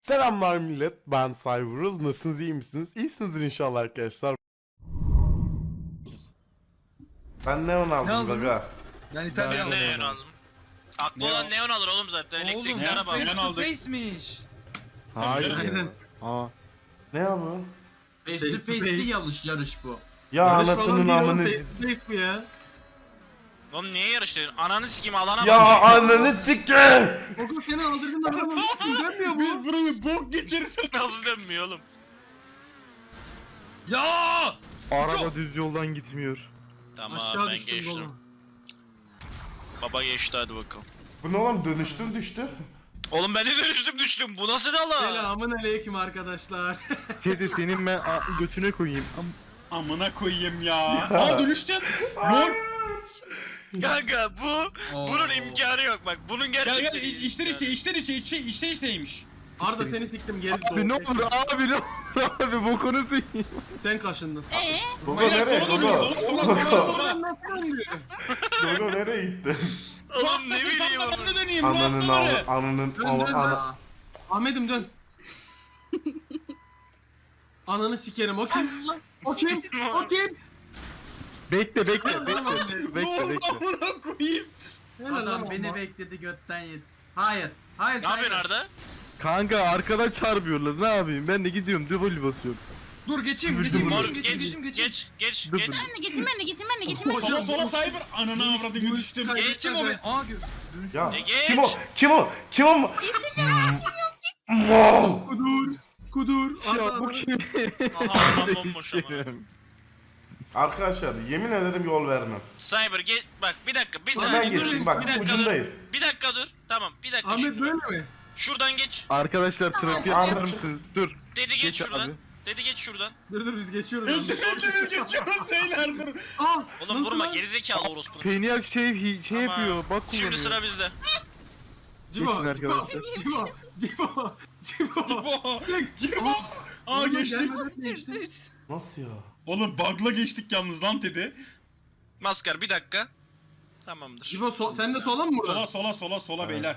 Selamlar millet, ben Cyberuz. Nasılsınız, iyi misiniz? İyisinizdir inşallah arkadaşlar. Ben neon Ne aldım aldınız? gaga. Ben İtalya aldım. Neon aldım. Aklı olan neon alır oğlum zaten. Oğlum Elektrikli ya araba. face aldım. to aldık. face'miş. Hayır. Aynen. Aa. Ne ya bu? Face to face değil yarış bu. Ya anasının amını... mi ya? Oğlum niye yarıştın? Ananı sikeyim alana Ya bak. ananı sikim! Oku seni aldırdın adamı dönmüyor bu. Burayı bok geçeriz. Nasıl dönmüyor oğlum? Ya! Araba düz yoldan gitmiyor. Tamam Aşağı ben düştüm geçtim. oğlum. Baba geçti hadi bakalım. Bu ne oğlum, dönüştüm düştü. Oğlum ben de düştüm. Bu nasıl dala? Selamun aleyküm arkadaşlar. Kedi senin ben götüne koyayım. Amına koyayım ya. Aa dönüştün. Lol. Kanka bunun imkanı yok bak. Bunun Gel gerçekten gel içler içteymiş. Arda seni siktim geri Abi ne olur abi ne olur abi bokunu sıyım. Sen kaşındın. Gogo nereye? Gogo. Oradan nasıl döndü? Gogo nereye gitti? Oğlum ne bileyim Ben de oğlum. döneyim. Ananın Ananın ananın Dön dön. ana. Ahmet'im dön. Ananı sikerim o kim? O kim? O kim? Bekle bekle Tamam, bekle. tamam. Bekle bekle. Amına koyayım. Helal lan Adam beni ama. bekledi götten yedi. Hayır. Hayır Ne yapıyorsun Cyber. Arda? Kanka arkadan çarpıyorlar ne yapayım ben de gidiyorum double basıyorum. Dur geçeyim Mor geçeyim. geç. Dur. Getirme getirme. Sola sola cyber. Ananı avradını düştüm. Geçeyim o be. Aa dönüş. Ya geç. kim o? Kim o? Kim o? Mal! Kudur. Ya Arda bu ananı- kim? Aha adam bomboş ama. Arkadaşlar yemin ederim yol vermem. Cyber gel bak bir dakika bir Ulan saniye Ben dur. geçeyim bak Bir dakika ucundayız. dur. Bir dakika dur. Tamam bir dakika. Ahmet şimdi böyle bak. mi? Şuradan geç. Arkadaşlar trafiğe Arda atlar çık. mısınız? Dur. Dedi geç Geç şuradan. abi. Dedi geç şuradan. Dur biz geçiyoruz. Biz Ahmet. geçiyoruz beyler dur. Ah! Oğlum Nasıl vurma lan? gerizekalı orospunun. Peniak şey Ama yapıyor bak Şimdi kullanıyor. sıra bizde. Cibo, Geçin Cibo, arkadaşlar. Cibo, Cibo, Cibo. Kim o? Aa geçtik. Gelmeden geçtim. Nasıl ya? Oğlum bug'la geçtik yalnız lan dedi. Maskar bir dakika. Tamamdır. Cibo sen de sola mı buradan? Sola beyler.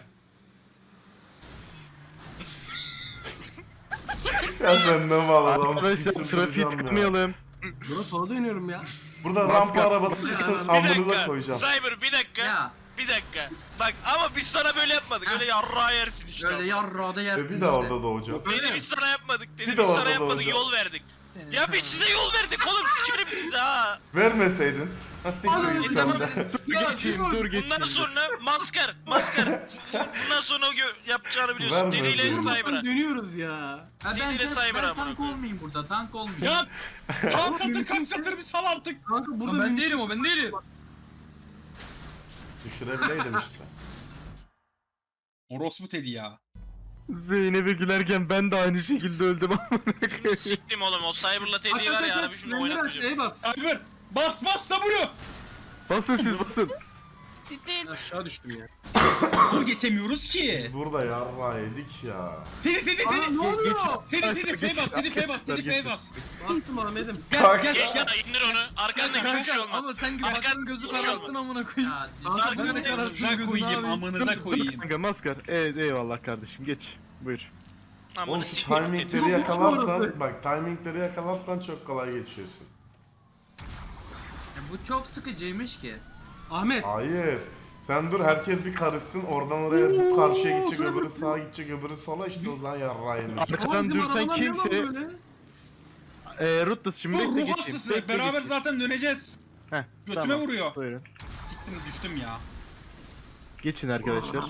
Ya sen ne mal adamsın. Arkadaşlar trafiği çıldıracağım ya. tıkmayalım. Buna sola dönüyorum ya. Burada Maskar. rampa arabası çıksın Bir amınıza dakika. koyacağım. Cyber bir dakika. Ya Bir dakika. Bak ama biz sana böyle yapmadık. Ha. Öyle yarrağı yersin işte. öyle yarrağda yersin. Bir de orada doğacağım. Dedi biz sana yapmadık. Dedi Bir biz de orada sana yapmadık. olacak. Yol verdik. Ya biz size yol verdik oğlum. Sikerim size ha. Vermeseydin. Ha siktir git sen de. Geçeyim dur geçeyim. Bundan sonra maskar. Bundan sonra yapacağını biliyorsun. Verme, Dediyle verme. Cyber'a. Dönüyoruz ya. Ha, ben, Dediyle Cyber ben amına tank koyayım. olmayayım burada tank olmayayım. Ya kaç satır bir sal artık. Kanka burada Ben mümkün- değilim o ben değilim. Düşürebileydim işte. Orospu Teddy ya. Zeynep'e gülerken ben de aynı şekilde öldüm amına Şimdi koyayım. siktim oğlum. O Cyber'la Aç Teddy'yi aç var aç ya aç. abi şimdi Önleri aç oynatmayacağım. bas. Cyber bas W. Basın siz basın. Titreyin. Aşağı düştüm ya. Oğlum geçemiyoruz ki. Biz burada yarra yedik ya. Teddy Aa ne oluyor? Teddy F bas. Bastım Ahmet'im. Gel gel Geç gel. ya indir onu. Arkandaki bir şey Kanka olmaz. ama sen gibi Arkan- baktın gözü bir şey kararttın olmaz. amına koyayım. Ya, Kanka Arkan- böyle Arkan- kararttın Amınıza gözünü koyayım abi. amınıza koyayım. Kanka maskar. Evet eyvallah kardeşim geç. Buyur. Aman Oğlum şu sikeyim. timingleri Çok yakalarsan, orası. bak timingleri yakalarsan çok kolay geçiyorsun. bu çok sıkıcıymış ki. Ahmet. Hayır. Sen dur herkes bir karışsın oradan oraya bu karşıya gidecek sen öbürü nasıl- sağa gidecek öbürü sola işte o zaman yarra yenir. Ama Arkadan bizim dürten arabalar ne lan kimse böyle? Rutlas şimdi Dur bekle ruh geçeyim. hastası. Bekle Beraber geçeyim. zaten döneceğiz. Heh, Götüme tamam. vuruyor. Buyurun. Siktim düştüm ya. Geçin arkadaşlar.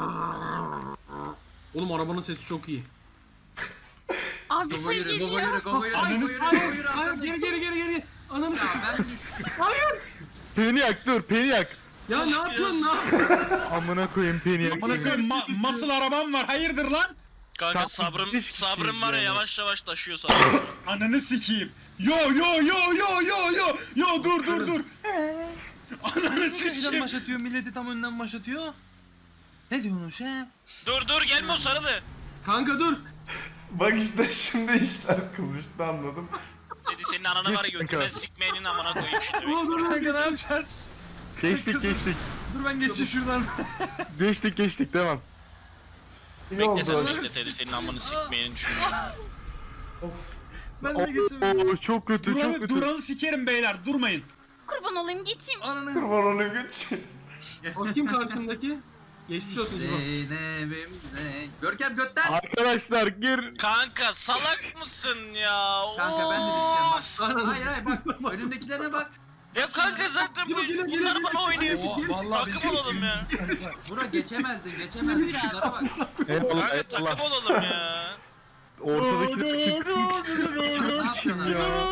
Oğlum arabanın sesi çok iyi. Abi Gogo sen yürü geliyor. Gogo yürü Gogo yürü Ananı Gogo yürü Hayır, Gogo yürü. hayır, arkadaş. geri. Ananı Ya s***. ben düştüm. Peniak dur Peniak. Ya ne yapıyorsun lan? Amına koyayım Peniak. Amına koyayım muscle arabam var. Hayırdır lan? Kanka Tam sabrım müthiş bir sabrım şey var ya yani. yavaş yavaş taşıyor sabrım. Ananı sikeyim. Yo dur. Ananı Önden sikeyim. başlatıyor milleti tam önden başlatıyor. Ne diyorsun şef? Dur gelme o sarılı. Kanka dur. Bak işte şimdi işler kızıştı anladım. Dedi senin ananı var ya götüme sikmeyenin amına koyayım şimdi. Dur dur dur. Kanka ne yapacağız? Geçtik. Dur ben geçeyim şuradan. Geçtik devam. İyi Bekle sen oldu. işte Teddy senin amını sikmeyeni düşünüyorum. Ben de geçemiyorum. Oo çok kötü çok kötü. Duran'ı sikerim beyler durmayın. Kurban olayım geçeyim. Ananı. Kurban olayım güç. O kim karşındaki? Geçmiş olsun Cibo. Zeynep'im Görkem götten. Arkadaşlar gir. Kanka salak mısın ya? Kanka ben de düşeceğim bak. Of! Ananı Hayır hayır bak. Önümdekilerine bak. Ya kanka zaten Gir, gir, gir, bunlar gir, bana gir. oynuyor. Oo, vallahi Takım olalım ya. Bura geçemezdin. Şunlara bak. Eyvallah Kanka takım eyvallah. olalım ya. Ortadaki Ne yapıyorsun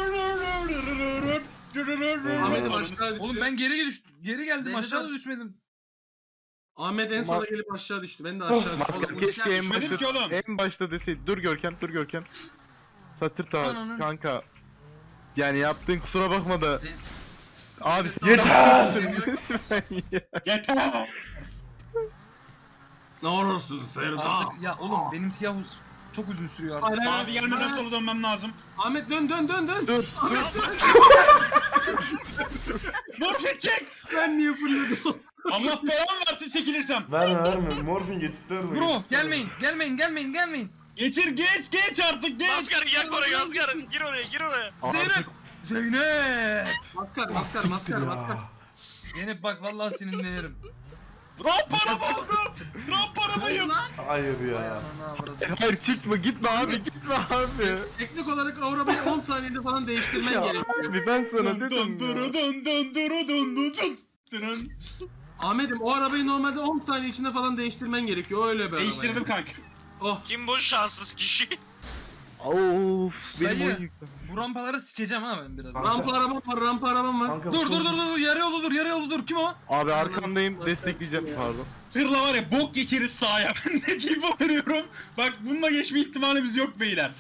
abi? Ahmet'im aşağı düştü. Oğlum ben geri geldim Zeynep aşağıda abi. düşmedim. Ahmet en sona gelip aşağı düştü. Ben de aşağı düştüm. Oğlum, keşke en Düşmedim ki başta oğlum. en başta deseydi. Dur Görkem dur Görkem. Satır ta Ananın. kanka. Yani yaptığın kusura bakma da. Abi sen Yeter! Lütfen ya. Yeter. Ne olursun Serdar. Artık ya oğlum benim siyah çok uzun sürüyor artık. Hayır, Abi gelmeden sola dönmem lazım. Ahmet dön. Dur. Morfin çek. Ben niye fırladım? Allah belamı versin çekilirsem. Verme. Morfin geçit verme. Bro geçit verme. gelmeyin. Geçir geç artık geç. Asgar yak oraya Asgar. Gir oraya. Zeynep. Zeynep. Maskar. Siktir ya. Zeynep bak vallahi sinirlenirim. Ramparama oldum. Ramparamayım. Hayır ya. Ananı avradım. Hayır çıkma gitme abi gitme abi. Teknik olarak o arabayı 10 saniyede falan değiştirmen Ya gerekiyor. abi ben sana Dun dedim dun ya. duru dun dun duru dun dun dun. Dırın. Ahmet'im o arabayı normalde 10 saniye içinde falan değiştirmen gerekiyor. Öyle bir araba. Değiştirdim yani. kanka. Oh. Kim bu şanssız kişi? Of benim Dayı. oyun yükledim. Bu rampaları sikeceğim ha ben biraz. Rampa arabam var. Kanka, Dur çok- yarı yolu dur kim o? Abi arkandayım destekleyeceğim pardon. Tırla var ya bok geçeriz sahaya. Ben ne diyeyim veriyorum. Bak bununla geçme ihtimalimiz yok beyler.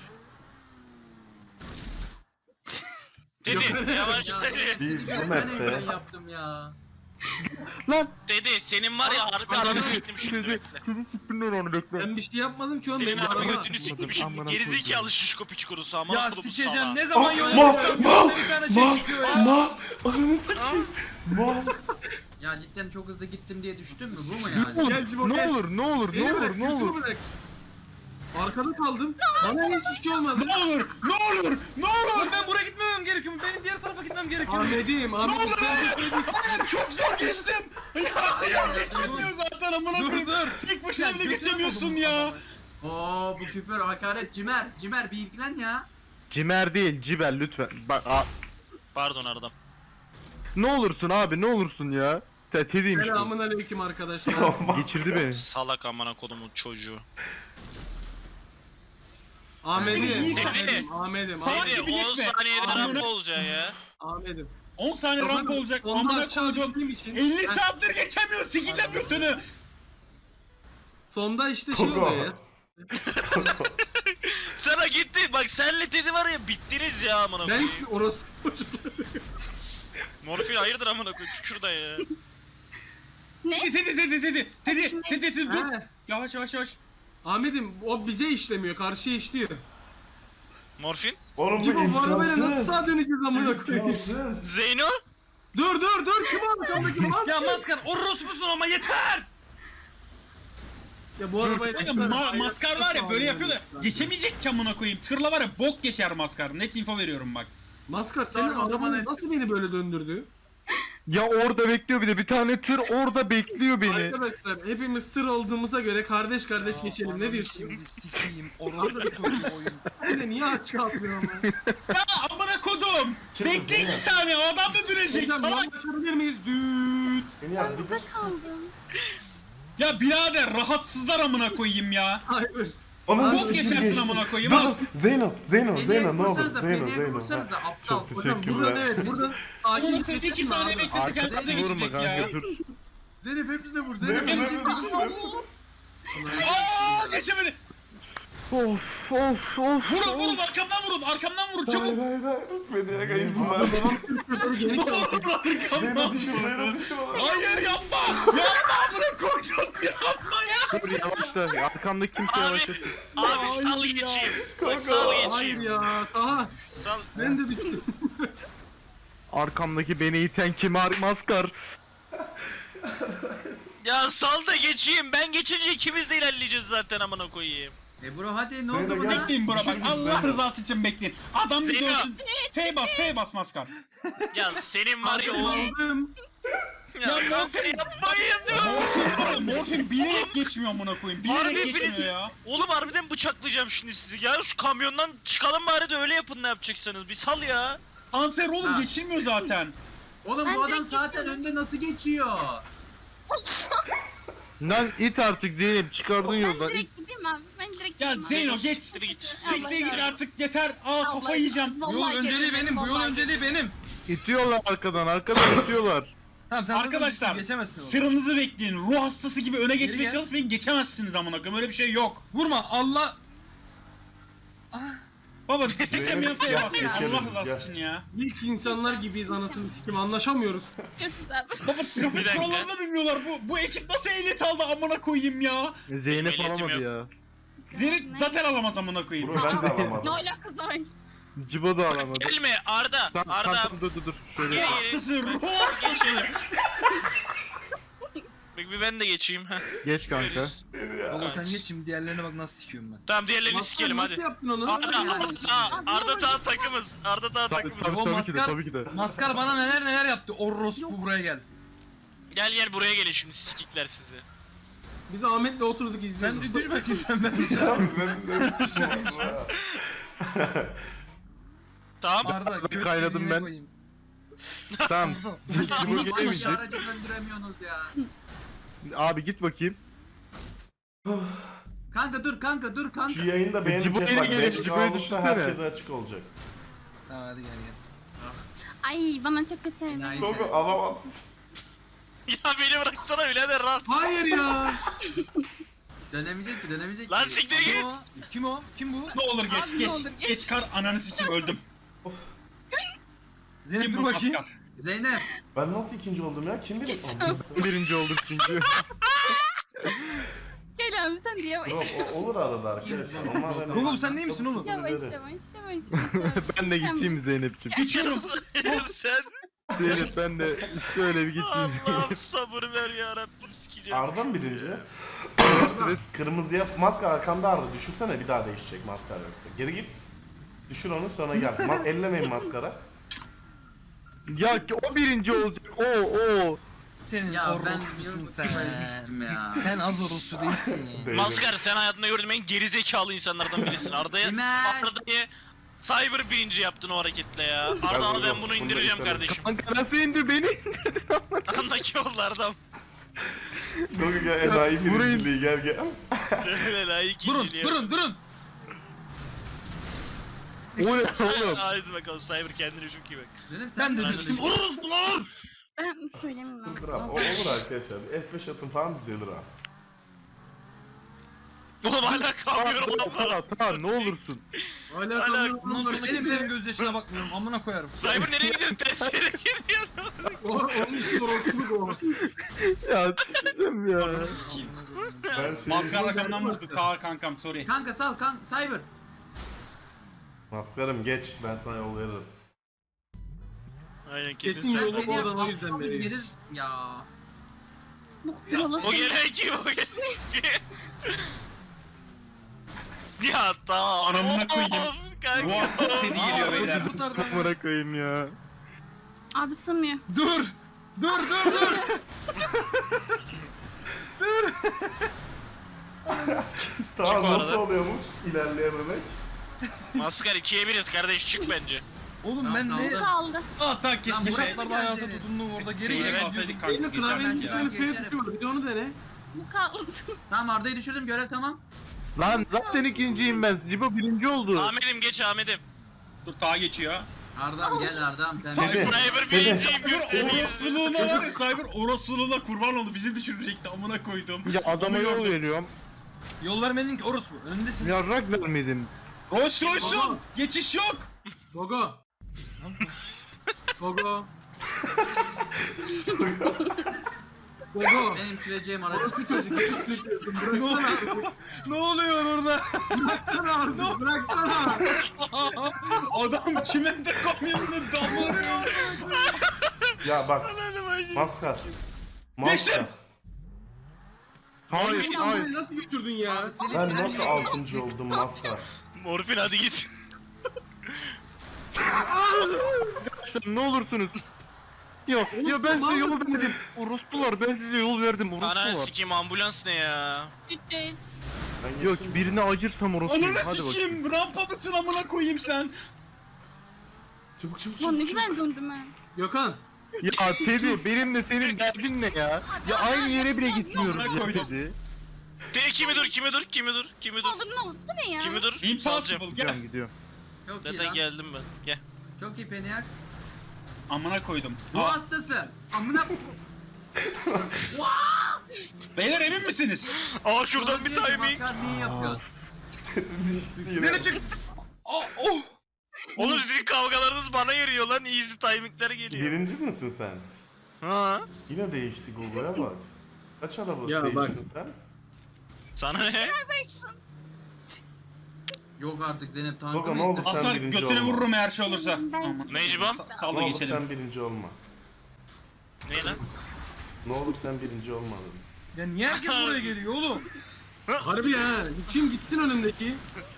Teddy yavaş Ya, Teddy. Biz bu Ben map'te en yaptım ya. Lan Teddy senin var ya harbi adamı siktim şimdi bekle. Seni siktimler onu bekle. Ben bir şey yapmadım ki oğlum. Senin Benim harbi araba. götünü siktim şimdi. Amına Gerizekalı şişko piç kurusu ama. Ya kurumu sikeceğim sala. ne zaman Oh, yol mal, yapacağım? mal, Bir tane şey çıkıyor ya. Ananı sikeyim. Mal. Ya cidden çok hızlı gittim diye düştün mü? Bu mu Oğlum, yani? Gel Cibo, ne gel. olur ne olur Beni ne bırak, olur ne götümü olur. bırak. Arkada kaldım. Bana hiçbir şey olmadı. Ne olur ne olur. Oğlum ben buraya gitmemem gerekiyor. Benim diğer tarafa gitmem gerekiyor. Ahmet'im sen de söyledin. Hayır çok zor geçtim. Ya geçemiyor zaten amına Dur koyayım. dur. Tek başına Ya bile götüne geçemiyorsun vurdum ya. adamı. Oo bu küfür hakaret Cimer bir ilgilen ya. Cimer değil Ciber lütfen. Bak Pardon Ardam. ne olursun abi ne olursun ya. Teddy'ymiş bu. Selamun aleyküm arkadaşlar. Geçirdi beni. Salak amına kodumun çocuğu. Ahmet'im. Teddy. Ahmet'im. Salak Teddy gibi 10 geçme. saniyede Amına- rampa olacaksın ya. Ahmet'im. 10 saniye rampa olacak. Ondan Amına aşağı koydum. düştüğüm için. 50 saattir geçemiyor. Sikeceğim götünü. Sonda işte şey Koko. oluyor ya. Sana gitti. Bak senle Teddy var ya bittiniz ya amına Ben koyayım. hiçbir orospu Morfin hayırdır amına koyayım şurada ya. Ne? Tedi dur. He. Yavaş. Ahmet'im o bize işlemiyor, karşıya işliyor. Morfin? Oğlum bu Cibo bu arabayla nasıl imkansız. sağa döneceğiz amına koyayım? İmkansız. Zeyno? Dur kim arkamdaki mal? Ya maskar orospusun ama yeter. Ya bu arabayla... Maskar var ya böyle yapıyor da geçemeyecek ki amına koyayım. Tırla var ya bok geçer maskar. Net info veriyorum bak. Maskar senin Sorma, araban bana- nasıl beni böyle döndürdü? Ya orada bekliyor bir tane tır orada bekliyor beni. Arkadaşlar hepimiz tır olduğumuza göre kardeş geçelim ne diyorsun? Şimdi sikeyim orospu çocuğu oyun. Ben de niye aşağı atlıyor ama? Ya amına kodum. Çıkın, Bekle değil 2 mi? saniye o adam da dönecek. Hocam Salak. yan açabilir miyiz? Düt. Beni yap bir Burada dur. kaldım. Ya birader rahatsızlar amına koyayım ya. Hayır. Ananı Bok sikeyim geçersin geçti. amına koyayım. Dur al. dur. Zeyno ne olur. vursanıza, Zeyno. Fediye vursanıza, Ha, aptal. Çok Hocam buradan teşekkürler. evet buradan Amına sakin koyayım 2 geçelim saniye abi. beklese kendisine Arkasına vurma geçecek ya. kanka dur. Zeynep hepsine vur. Zeyno Zeynep Zeyno hepsine vur. düşüyorsun. Aaa geçemedi. Of. Vurun arkamdan vurun çabuk. Hayır. Federaga izin ver. Şoförü geri kaldı. Zeyno düşür. Hayır yapma. Amına koydum yapma ya. Dur yavaşla. Arkamdaki kimse Abi. yavaşlasın. Abi sal geçeyim. Bak sal Hayır geçeyim. ya. Taha Sal. ben de düştüm. Arkamdaki beni iten kim? Maskar. Ya sal da geçeyim. Ben geçince ikimiz de ilerleyeceğiz zaten amına koyayım. Bro hadi ne Zeyno oldu gel. buna? Bekleyin bro bak Düşür bizi Allah Zeyno. rızası için bekleyin. Adam bir Zeyno. görsün. F bas maskar. Ya senin var ya o. Aldım. Ya kanka yapmayın diyor. Morfin bilerek geçmiyor amına koyayım. Bilerek Harbi geçmiyor birisi- ya. Oğlum harbiden bıçaklayacağım şimdi sizi. Ya şu kamyondan çıkalım bari de öyle yapın ne yapacaksanız. Bir sal ya. Kanser oğlum Ha. geçilmiyor zaten. Oğlum Ben bu adam direkt zaten geçiyorum. önde nasıl geçiyor? Lan it artık Zeynep çıkardın Ben yoldan. direkt gideyim abi. Ben direkt Ya gideyim abi. Zeyno geç. Siktir git. Siktir git artık yeter. Aa Allah kafa yiyeceğim. Allah Bu yol önceliği yeter, benim. Bu yol vallahi önceliği benim. İtiyorlar arkadan itiyorlar. Tamam sen Arkadaşlar geçemezsin oğlum. sıranızı bekleyin. Ruh hastası gibi öne geçmeye gel. çalışmayın. Geçemezsiniz amına koyayım. Öyle bir şey yok. Vurma Allah. Baba geçemeyen F'ye Gel, bas ya. geçeriz Allah biz, rızası gel. için ya. İlk insanlar gibiyiz anasını sikim anlaşamıyoruz. Görüşürüz abi. Baba trafik dakika. kurallarını bilmiyorlar. Bu ekip nasıl ehliyet aldı amına koyayım ya. Zeynep Milletim alamadı yok. ya. Zeynep zaten alamaz amına koyayım. Bro ben de Ne alamadım. alakası var? Cibo da alamadı. Gelme Arda. Tamam, Arda. tamam, dur. Şöyle. Gel. Hastası ruh hastası. Bir ben de geçeyim. Heh. Geç kanka. Oğlum sen geç şimdi diğerlerine bak nasıl sikiyorum ben. Tamam diğerlerini Maskar, sikelim nasıl hadi. yaptın onu? Arda, Yani Arda, şimdi. Arda daha takımız. Arda daha Tabii, takımız. tabii, O tabii ki de maskar- tabii ki de. Maskar bana neler yaptı. Orospu buraya gel. Gel buraya gelin şimdi sikikler sizi. Biz Ahmet'le oturduk izliyoruz. Sen düş bakayım sen ben. Abi ben de sıçmadım. Tamam. Arda göt kaynadım deliğine ben. koyayım. Tamam. Cibo Oğlum bana gelemeyecek. şu aracı döndüremiyorsunuz ya. Abi git bakayım. Kanka dur kanka. Şu yayında beğeni Cibo'ya chat bak. gelin, 5K Cibo'ya olursa düşünsene. herkese açık olacak. Tamam hadi gel gel. Ay bana çok kötü. Enayi Logo sen. alamazsın. Ya beni bıraksana birader rahat. Hayır ya. Dönemeyecek ki. Lan siktir Kim git. o? Kim o? Kim bu? Ne olur geç Abi, ne geç. olur geç. Geç kar ananı sikeyim öldüm. Zeynep Kim dur bu bakayım. maskar? Zeynep. Ben nasıl ikinci oldum ya? Kim bilir? Birinci olduk çünkü. Gel abi sen de yavaş. Bro olur arada arkadaşlar. Onlar hani- Oğlum sen değil misin oğlum? Yavaş. Ben de gideyim Zeynep'ciğim. Geçiyorum. Sen. Zeynep ben de işte öyle bir gideyim. Allah'ım sabır ver ya Rabbim sikeceğim. Arda mı birinci? Kırmızıya maskar arkanda Arda. Düşürsene bir daha değişecek maskar yoksa. Geri git. Düşür onu sonra gel. Ellemeyin maskara. Ya ki o birinci olacak. O. Senin Ya ben orospusun sen. ya. Sen az orospu değilsin. Değilim. Maskar sen hayatımda gördüğüm en gerizekalı insanlardan birisin. Arda'yı Cyber birinci yaptın o hareketle ya. Arda al ben bunu indireceğim Bunu da kardeşim. Kanka nasıl indir beni? Andaki yollardan. Gogo gel enayi birinciliği gel. Layık Durun ikinciliğe. durun. O ne oğlum? Haydi bakalım Cyber kendine çok iyi bak. Zeynep sen Ben de Aynen. düştüm. Orospular. Ben söylemiyorum. Dur abi, o olur arkadaşlar. F5 atın falan düzelir ha. Oğlum hala kalmıyorum lan bana. Tamam ne olursun. Hala Hala- kamyon Bundan var. sonra kimsenin gözyaşına bakmıyorum. Amına koyarım. Cyber nereye gidiyorsun? Ters yere gidiyorsun. Onun için orospuluk o. Ya s**eceğim ya. Ben şey... Maskar rakamdan vurdu. Kankam sorry. Kanka sal Cyber. Maskarım geç. Ben sana yol veririm. Aynen Kesin kesin sen. yolu Beni bu adam o aptal yüzden bir veriyor. geriz- Ya. Yola O gelen kim o gelen kim? Ya tamam. Anamına koyayım. Of, kanka. Ruh hastası dedi geliyor beyler. Kamera koyayım ya. Abi sığmıyor. Dur. Tamam Çık o nasıl arada. oluyormuş ilerleyememek? Maskar 2'ye 1'iz kardeş çık bence. Oğlum Tamam, ben sağ ne ol. Kaldı. Hatta Lan keşke buraya şey. şartlarda hayata tutundum orada geri Yine geri kalsaydık Benim kanka klavyenin geçerdik geçerdim ya. bir tane F tuşu var. Bir de onu dene. Bu kaldı. Tamam Arda'yı düşürdüm görev tamam. Lan zaten ikinciyim ben. Cibo birinci oldu. Ahmet'im geç Ahmet'im. Dur ta geçiyor. Arda'm gel Arda'm sen. Dede. Cyber birinciyim Cyber yürü. orospuluğuna var ya Cyber orospuluğuna kurban oldu bizi düşürecekti amına koydum. Ya adama Onu yol gördüm. veriyorum. Yol vermedin ki orospu. Önündesin. Yarrak vermedin. Rolls Royce'un geçiş yok. Gogo. Gogo. Gogo. Benim süreceğim aracı. Orası çocuk. Bıraksana artık. Ne oluyor orada? Bıraksana artık. Bıraksana. Adam çimende kamyonunu damlıyor. Ya bak Ananı bacım. maskar. Geçtim. Maskar. Hayır Morfin hayır. Abi nasıl götürdün ya? Abi Selim Ben ilerle. nasıl 6. oldum maskar? Morfin hadi git. Ne olursunuz. Yok Oğlum ya sen ben size yol mal mısın? verdim. Orospular ben size yol verdim Ananı orospular. sikeyim ambulans ne ya? Ücret. Ben Yok geçeyim. birine acırsam orospuyum. Ananı Hadi bakayım. sikeyim. Rampa mısın amına koyayım sen? Çabuk çabuk Lan ne çabuk. güzel döndüm ha. Gökhan. Ya Teddy benimle senin derdin ne ya? Ya aynı yere bile gitmiyoruz Amına ya koydum. Teddy. Kimi dur? Ne olur ne olur. Bu ne ya? Kimi dur? Salacağım. Impossible gel. Gidiyorum gidiyorum. Çok iyi Zaten lan. geldim ben. Gel. Çok iyi Peniak. Amına koydum. Bu hastası. Amına Beyler emin misiniz? Aa şuradan bir timing. Niye yapıyorsun? Düştü yine. Nereye çık? Oh oh. Oğlum sizin kavgalarınız bana yarıyor lan. Easy timingler geliyor. Birinci misin sen? Ha? Yine değişti Google'a bak. Kaç araba Ya değiştin bak. sen? Sana ne? Yok artık Zeynep tankı Gogo mı ne oldu ittin? sen Aslan birinci götüne olma. vururum eğer şey olursa. Ben- Aman. Necibam? Sal Ne da olur geçelim. sen birinci olma. Ne lan? Ne olur sen birinci olma dedim. Ya niye herkes buraya geliyor oğlum? Harbi ya. Kim gitsin önümdeki?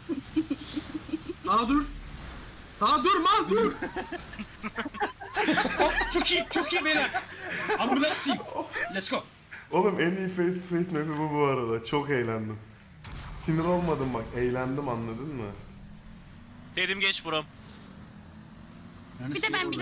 Daha dur. Daha dur mal dur. Çok iyi beyler. Ambulans team. Let's go. Oğlum en iyi face to face map'i bu arada. Çok eğlendim. Sinir olmadım bak. Eğlendim anladın mı? Dedim geç buram. Bir de ben.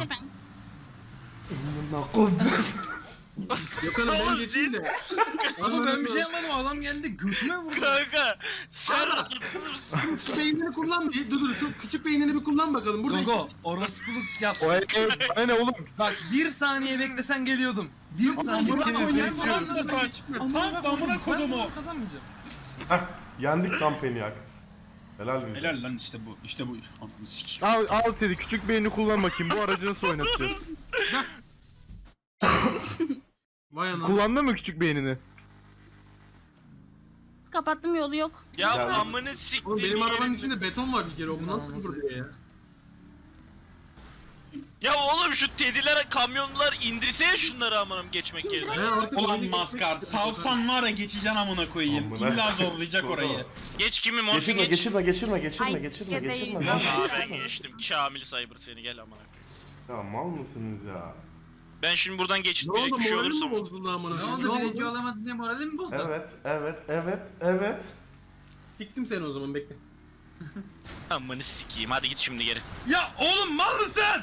Gökhan'ım ben Oğlum, geçeyim de. Ama ben bir şey yapmadım. Adam geldi götüme vurdu. Kanka sen rahatsız mısın? Küçük beynini kullan bir. Dur şu küçük beynini bir kullan bakalım. Burada Gogo orospuluk yap. O bana ne oğlum? Bak bir saniye beklesen geliyordum. Bir saniye amına beklesen koyayım, geliyordum. amına koyayım. Amına koydum o. Kazanmayacağım. Heh, yendik lan Peniak. Helal bize. Helal lan işte bu. İşte bu. Ananı sikeyim. Al Teddy küçük beynini kullan bakayım. Bu aracı nasıl oynatacağız? Vay anam. Kullandın mı küçük beynini? Kapattım yolu yok. Ya Geldim. amını siktim. Oğlum benim arabanın yerim. içinde beton var bir kere. O bundan Olması. sıfır diye ya. Ya oğlum şu tediler kamyonlar indirsene şunları amanım geçmek yerine. Ben artık Ulan oyunu maskar geçmek salsan var ya geçeceksin amına koyayım. Amına. İlla zorlayacak Gogo. orayı. Geç kimi morfin Geçirme geç. geçirme geçirme geçirme Ay, geçirme ya geçirme. değil. lan, Aa ben geçirme. geçtim. Kamil Cyber seni gel amına. Ya mal mısınız ya? Ben şimdi buradan Ne geçitmeyecek oldu bir şey moralim olursa mi bozuldu amına Ne koyayım? oldu birinci olamadın diye moralim mi bozuldu? Evet. Siktim seni o zaman bekle. Amanı sikeyim hadi git şimdi geri. Ya oğlum mal mısın?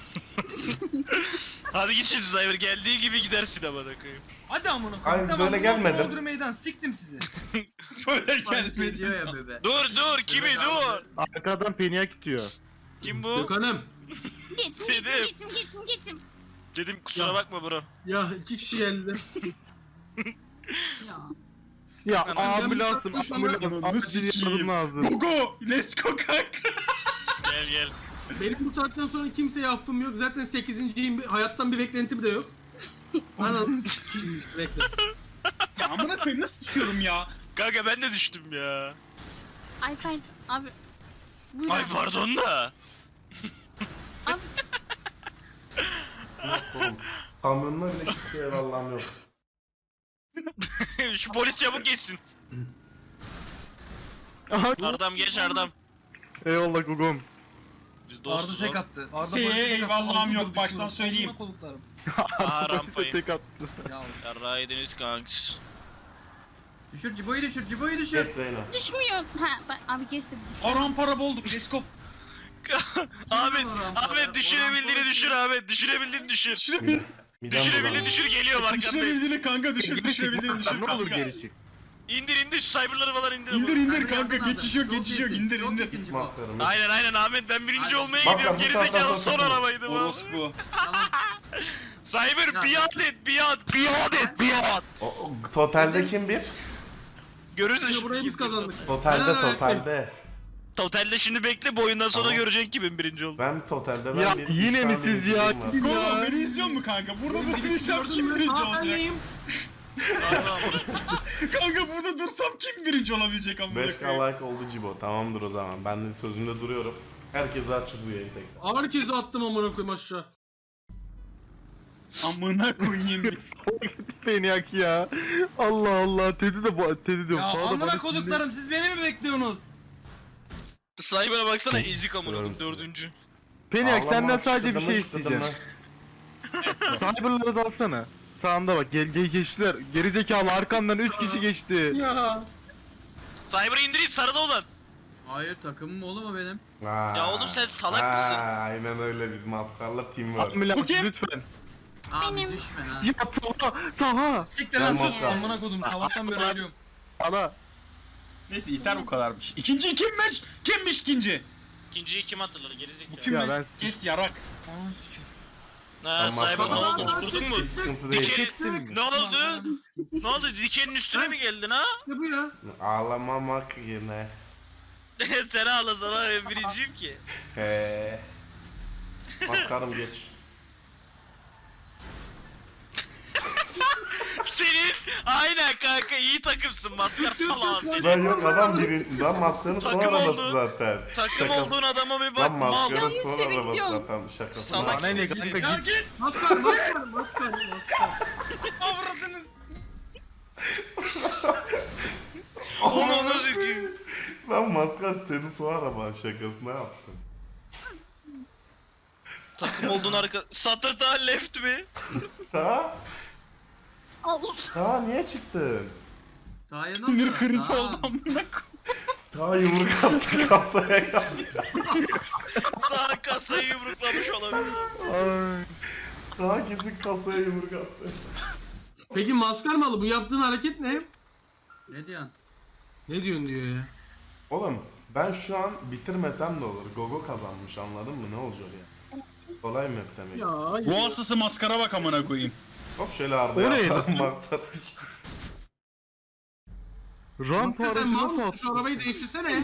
Hadi git şimdi Cyber geldiği gibi gidersin amına koyayım. Hadi amına Ay, koyayım. böyle bundan gelmedim. sonra Bodrum meydan siktim sizi. Böyle Panik gelmedi. ediyor ya bebe. Dur kimi Evet, dur. Arkadan Peniak itiyor. Kim bu? Gökhan'ım. Geçim. Dedim kusura Ya. bakma bro. Ya 2 kişi geldi. Ya. Ya Ben ambulansım bir ambulans. Ananı Acil sikeyim. yardım lazım. Go! Let's go kanka. Gel. Benim bu saatten sonra kimseye affım yok. Zaten 8.yim. Hayattan bir beklentim de yok. Anam sikeyim işte bekle. Ya amına koyayım nasıl düşüyorum ya? Kanka ben de düştüm ya. Ay pardon abi. Buyur Ay abi. pardon da. Abi, Yok oğlum. Kamyonlar bile kimseye eyvallahım yok. Şu polis çabuk geçsin. Aha, Ardam geç Ardam. eyvallah Gugum. Biz Arda dostuz tek oğlum. attı. Arda Şeye polise tek attı. eyvallahım Aldı yok, düşürdü. baştan söyleyeyim. Amına koyduklarım. Aa rampayı. Tek attı. Ya Yarrağı yediniz kanks. Düşür Cibo'yu düşür Cibo'yu düşür. Geç Zeyno. düşmüyor. Ha abi geçti. Aram para bulduk. Let's go. Ahmet, Orhan Ahmet para, düşürebildiğini Orhan düşür para. Ahmet. Düşürebildiğini düşür. Düşürebil. Midem Düşürebildiğini bulandı. düşür geliyor arkandayım. Düşürebildiğini kanka düşür. Düşürebildiğini düşür Ne olur kanka. geri çık. İndir şu cyberları falan indir. İndir ama. indir Hadi kanka yardım geçiş lazım. yok geçiş yok Çok iyisin, indir çok indir. iyisin Cibo. Maskarım. Aynen Ahmet ben birinci Aynen. olmaya Maskar, gidiyorum. bu saatten Gerizekalı sonra son takılırız. arabaydı bu. Orospu. Tamam. Cyber Ya. biat et biat. Totalde kim bir? Görürsün Şimdi şimdi. burayı biz kim bir. kazandık. Totalde Helal totalde. Totalde şimdi bekle bu oyundan sonra Tamam. göreceksin kimin birinci oldu. Ben totalde Ya, bir yine üç mi tane siz birinciliğim ya? var. Go beni izliyor mu kanka? Burada durursam kim birinci olacak? Anneyim. Kanka burada dursam kim birinci olabilecek amına 5k koyayım? like oldu Cibo. Tamamdır o zaman. Ben de sözümde duruyorum. Herkese açık bu yayın tekrar. Herkese attım amına koyayım aşağı. Amına koyayım. Peniak ya. Allah Allah. Teddy de bu. Teddy diyorum. Ya Sağda amına bana koduklarım siz beni mi bekliyorsunuz? Cyber'a baksana ezik amına koyayım Istiyorum 4. Peniak Ağlama, senden sadece bir şıkıdımı, şey şıkıdımı. isteyeceğim. Cyber'ları da alsana. Sağında bak geçtiler. Gerizekalı arkandan 3 kişi geçti. Ya. Cyber'ı indirin sarıda olan. Hayır takımım oğlum o benim. Ha. Ya oğlum sen salak Ha, mısın? Aynen öyle biz maskarla teamwork. Ambulans kim? lütfen. Abi Benim. düşme ha. Ya Taha. Siktir Gel lan sus maskar. amına kodum sabahtan beri ölüyorum. Ana. Neyse yeter bu kadarmış. İkinci kimmiş? Kimmiş ikinci? İkinciyi kim hatırladı gerizekalı? Kim Ya mi? ben- Kes yarak. Ananı sikeyim. Ha Ben Cyber ne maskara- oldu? Oturdun mu? Hiç sıkıntı değil. Dikenin... Ne oldu? Ne oldu? Dikenin üstüne mi geldin ha? Ne bu ya? Ağlamamak yine. Sen ağlasana ben birinciyim ki. He. Maskarım geç. Senin aynen kanka iyi takımsın maskar salağı senin. Ben yok adam birin. Lan maskarın son Takım arabası oldu. zaten. Takım Şakası. olduğun adama bir bak Lan mal. maskarın Yanlış son yere arabası gidiyorsun. zaten şakası. Salak. Bana ne kanka Ya git. git. Maskar. Avradınız. Onu sikeyim. Lan maskar senin son araban şakasına yaptım. Takım olduğun arka... Satır daha left mi? Ta? Allah. Ta niye çıktın? Taha'ya ne Sinir oldu? krizi Taha. oldu amına koyayım. Ta yumruk attı kasaya geldi. Daha kasayı yumruklamış olabilir. Ay. Ta kesin kasaya yumruk attı. Peki maskar malı bu yaptığın hareket ne? Ne diyorsun? Ne diyorsun diyor ya. Oğlum ben şu an bitirmesem de olur. Gogo kazanmış anladın mı? Ne olacak ya? Kolay mı demek? Ya Bu hastası maskara bak amına koyayım. Hop şöyle O Arda'ya neydi? atalım maksat bir şey. Ramp Maskar sen aracı mal nasıl mısın? attın? Şu arabayı değiştirsene.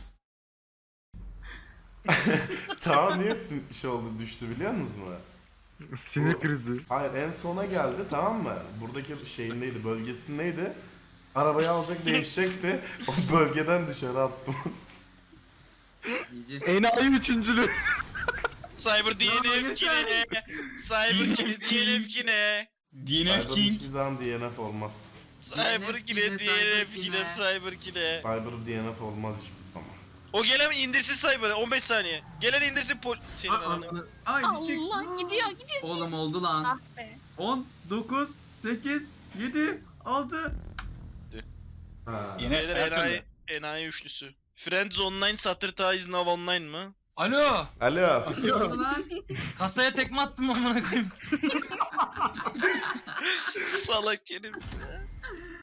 Ta niye şey oldu düştü biliyor musunuz mu? Sinir krizi. Hayır en sona geldi tamam mı? Buradaki şeyindeydi bölgesindeydi. Arabayı alacak değişecekti. O bölgeden dışarı attım. İyice. Enayi üçüncülü. Cyber DNF ki ne? Cyber ki DNF ki ne? DNF Cyber King. hiçbir zaman DNF olmaz. Cyber ki ne? DNF ki ne? Cyber ki ne? Cyber DNF olmaz hiçbir zaman. O gelen indirsin Cyber'ı 15 saniye. Gelen indirsin senin Ay, ananı. ananı- Ay düşecek. Allah gidiyor gidiyor. Oğlum oldu lan. Ah be. 10, 9, 8, 7, 6. Ha. Yine Beyler her enayi, türlü. enayi üçlüsü. Friends online, Saturday is now online mı? Alo. Alo. Ne oldu lan? Kasaya tekme attım amına koyayım. Salak herif ya.